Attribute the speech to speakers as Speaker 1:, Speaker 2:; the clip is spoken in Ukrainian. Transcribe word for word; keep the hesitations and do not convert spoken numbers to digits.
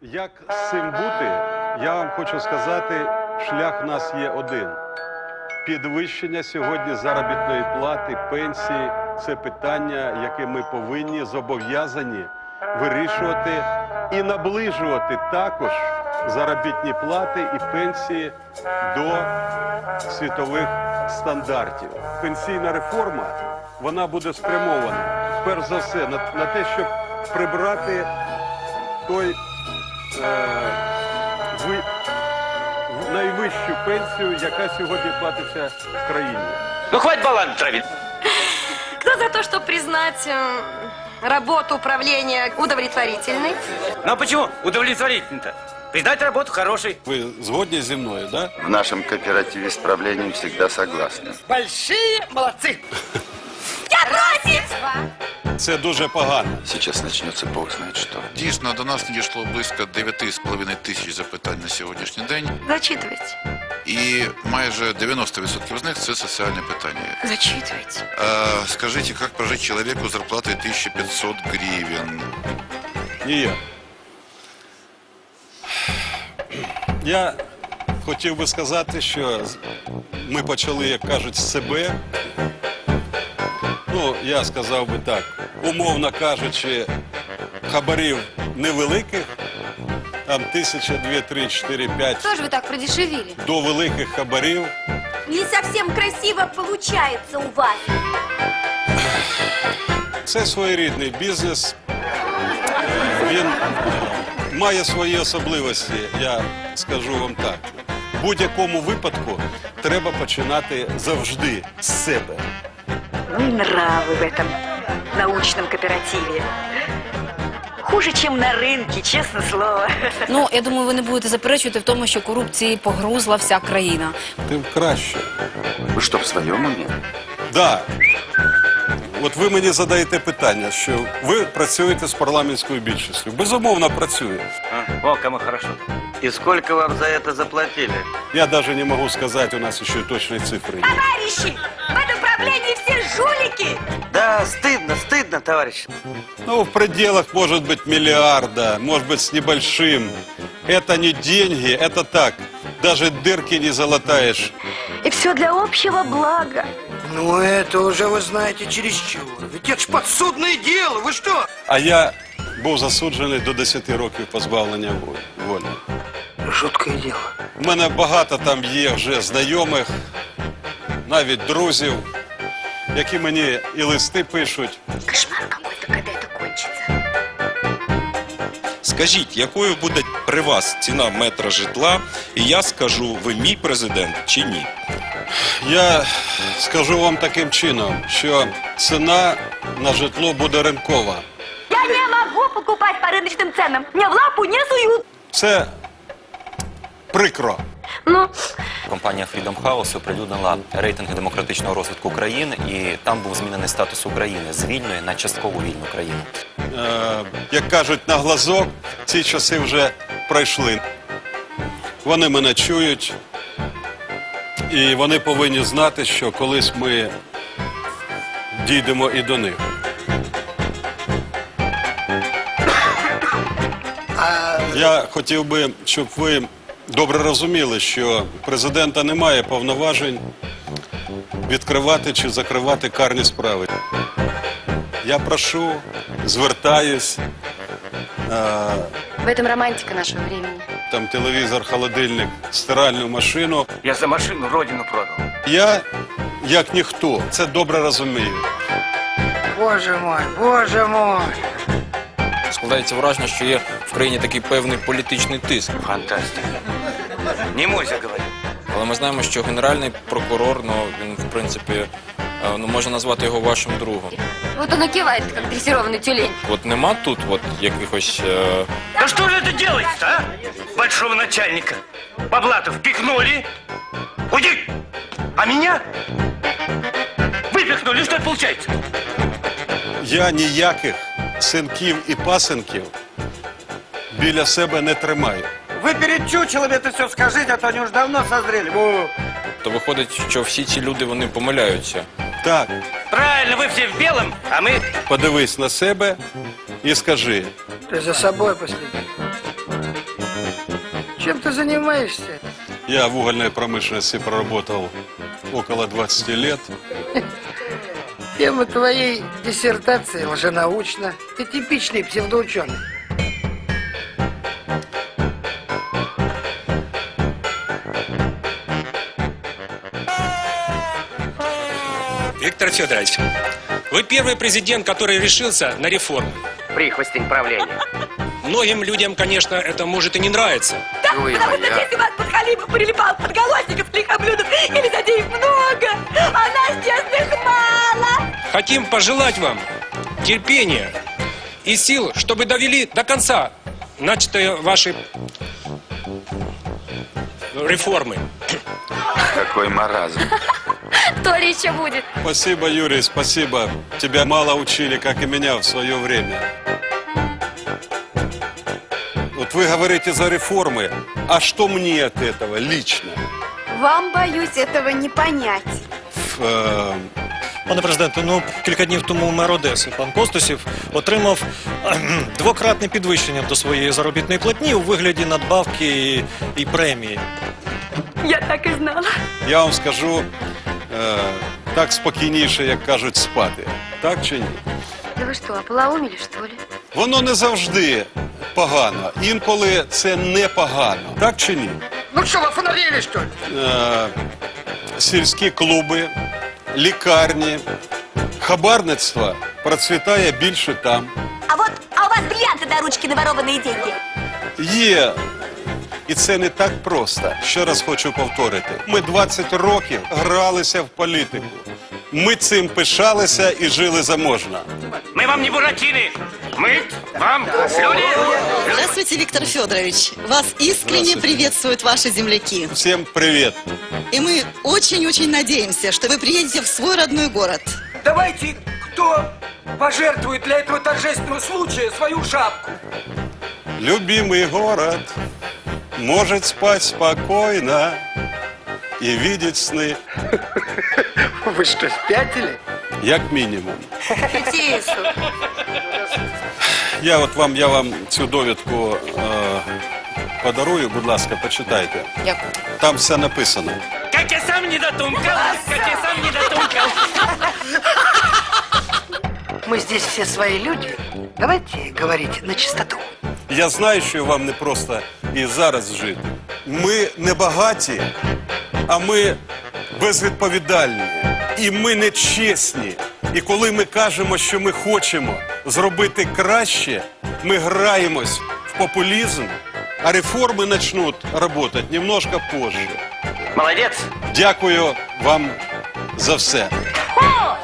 Speaker 1: Як з цим бути, я вам хочу сказати, шлях в нас є один. Підвищення сьогодні заробітної плати, пенсії – це питання, яке ми повинні, зобов'язані вирішувати і наближувати також заробітні плати і пенсії до світових стандартів. Пенсійна реформа, вона буде спрямована, перш за все, на, на те, щоб прибрати той е, ви, найвищу пенсію, яка сьогодні платиться в країні.
Speaker 2: Ну, хватит баланс травить.
Speaker 3: Кто за то, чтобы признать э, работу управления удовлетворительной?
Speaker 2: Ну, а почему удовлетворительно-то? Признать работу хорошей.
Speaker 1: Ви згодні зі мною, да?
Speaker 4: В нашем кооперативе с правлением всегда согласны.
Speaker 2: Большие молодцы.
Speaker 3: Я против!
Speaker 1: Це дуже погано.
Speaker 4: Сейчас начнется бог знает что.
Speaker 5: Дійсно, до нас надійшло близько дев'ять з половиною тисяч запитань на сьогоднішній день.
Speaker 3: Зачитывайте.
Speaker 5: І майже дев'яносто відсотків з них – це соціальне питання.
Speaker 3: Зачитывайте.
Speaker 5: А, скажите, как прожить человеку с зарплатой тысяча пятьсот гривен?
Speaker 1: Ні. Я хотів би сказати, що ми почали, як кажуть, з себе. Ну, я сказав би так, умовно кажучи, хабарів невеликих, там тисяча, дві, три, чотири, п'ять,
Speaker 3: Что же вы так продешевили?
Speaker 1: до великих хабарів.
Speaker 6: Не совсем красиво получается у вас.
Speaker 1: Це своєрідний бізнес. Він має свої особливості, я скажу вам так. В будь-якому випадку треба починати завжди з себе.
Speaker 7: Ну и нравы в этом научном кооперативе. Хуже, чем на рынке, честное слово.
Speaker 8: Ну, я думаю, ви не будете заперечувати в тому, що корупції погрузла вся країна.
Speaker 1: Тим краще.
Speaker 4: Вы что, в своем уме?
Speaker 1: Да. От ви мені задаєте питання, що ви працюєте з парламентською більшістю. Безумовно, працюю.
Speaker 2: А, о, кому хорошо.
Speaker 9: И сколько вам за это заплатили?
Speaker 1: Я навіть не можу сказати, у нас ще точної цифри нет.
Speaker 6: Товарищи, в этом правлении все жулики.
Speaker 9: Да, стыдно, стыдно, товарищ.
Speaker 1: Ну, в пределах, может быть, миллиарда, может быть, с небольшим. Это не деньги, это так. Даже дырки не залатаешь.
Speaker 7: И все для общего блага.
Speaker 10: Ну, это уже, вы знаете, чересчур. Ведь это ж подсудное дело, вы что?
Speaker 1: А я був засуджений до десяти років позбавлення волі.
Speaker 10: Жуткое дело.
Speaker 1: У мене багато там є вже знайомих, навіть друзів, які мені і листи пишуть.
Speaker 7: Кошмар какой-то, когда это кончится.
Speaker 11: Скажіть, якою буде при вас ціна метра житла, і я скажу, ви мій президент чи ні?
Speaker 1: Я скажу вам таким чином, що ціна на житло буде ринкова.
Speaker 6: Я не могу покупать по рыночным ценам. Мне в лапу не суют.
Speaker 1: Це прикро.
Speaker 3: Ну,
Speaker 12: Компанія Freedom House оприлюднила рейтинги демократичного розвитку країн, і там був змінений статус України з вільної на частково вільну країну.
Speaker 1: Е, як кажуть, на глазок ці часи вже пройшли. Вони мене чують, і вони повинні знати, що колись ми дійдемо і до них. Я хотів би, щоб ви добре розуміли, що у президента немає повноважень відкривати чи закривати карні справи. Я прошу, звертаюсь, е,
Speaker 3: в этом романтика нашего времени.
Speaker 1: там телевізор, холодильник, стиральну машину.
Speaker 2: Я за машину родину продал.
Speaker 1: Я, як ніхто, це добре розумію.
Speaker 10: Боже мой, боже мой.
Speaker 11: Складається враження, що є в країні такий певний політичний тиск.
Speaker 2: Фантастика. Не мойся, говорю.
Speaker 11: Але ми знаємо, що генеральний прокурор, ну, він, в принципі, е, ну, можна назвати його вашим другом.
Speaker 3: Вот он и кивает, как дрессированный тюлень.
Speaker 11: От нема тут от якихось... Е...
Speaker 2: Да что же это делается, а? Большого начальника. По блату впихнули. Уйди! А меня выпихнули. Что это получается?
Speaker 1: Я ніяких синків і пасенків біля себе не тримаю.
Speaker 10: Вы перед чучелом это все скажите, а то они уж давно созрели. Во.
Speaker 11: То виходить, що всі ці люди, вони помиляються.
Speaker 1: Так,
Speaker 2: Правильно, вы все в белом, а мы...
Speaker 1: подивись на себе і скажи.
Speaker 10: Ты за собой последи. Чем ты занимаешься?
Speaker 1: Я в угольной промышленности проработал около двадцати лет.
Speaker 10: Тема твоей диссертации лженаучна. Ты типичный псевдоученый.
Speaker 13: Виктор Федорович, вы первый президент, который решился на реформы.
Speaker 9: Прихвостень правления.
Speaker 13: Многим людям, конечно, это может и не нравиться.
Speaker 6: Да, потому что здесь у вас подхалимов прилипал подголосников, лихоблюдов и лизодеев много, а нас честных мало.
Speaker 13: Хотим пожелать вам терпения и сил, чтобы довели до конца начатые ваши реформы.
Speaker 4: Какой маразм.
Speaker 3: То ли еще будет.
Speaker 1: Спасибо, Юрий, спасибо. Тебя мало учили, как и меня в свое время. Вот вы говорите за реформы, а что мне от этого лично?
Speaker 3: Вам, боюсь, этого не понять.
Speaker 1: Э,
Speaker 14: Пане президенте, ну кілька днів тому мер Одеси, пан Костусів, отримав кхм, двократне підвищення до своєї заробітної платні у вигляді надбавки і, і премії.
Speaker 6: Я так і знала.
Speaker 1: я вам скажу, е, так спокійніше, як кажуть, спати. Так чи ні?
Speaker 3: Да вы что, ополоумели, что ли?
Speaker 1: Воно не завжди погано. Інколи це не погано. Так чи ні?
Speaker 10: Ну что, вы офонарели, что ли?
Speaker 1: Е, сільські клуби, лікарні, хабарництво процвітає більше там.
Speaker 6: А вот, а у вас бриллианты до ручки наворованные деньги.
Speaker 1: Є. І це не так просто. Ще раз хочу повторити. Ми двадцять років гралися в політику. Ми цим пишалися і жили заможно.
Speaker 2: Мы вам не буратины. Мы вам люди.
Speaker 7: Здравствуйте, Виктор Федорович. Вас искренне приветствуют ваши земляки.
Speaker 1: Всім привіт.
Speaker 7: И мы очень-очень надеемся, что вы приедете в свой родной город.
Speaker 10: Давайте, кто пожертвует для этого торжественного случая свою шапку?
Speaker 1: Любимый город может спать спокойно и видеть сны.
Speaker 10: Вы что, спятили?
Speaker 1: Як мінімум.
Speaker 3: Тетису.
Speaker 1: Я от вам, я вам цю довідку е, подарую, будь ласка, почитайте.
Speaker 8: Дякую.
Speaker 1: Там все написано.
Speaker 2: Как я сам не дотумкал, как я сам не дотумкал.
Speaker 10: Мы здесь все свои люди. Давайте говорить на чистоту.
Speaker 1: Я знаю, що вам не просто і зараз жити. Ми не багаті, а ми безвідповідальні. І ми не чесні. І коли ми кажемо, що ми хочемо зробити краще, ми граємось в популізм, а реформи почнуть працювати немножко позже.
Speaker 2: Молодец.
Speaker 1: Дякую вам за все.
Speaker 6: О,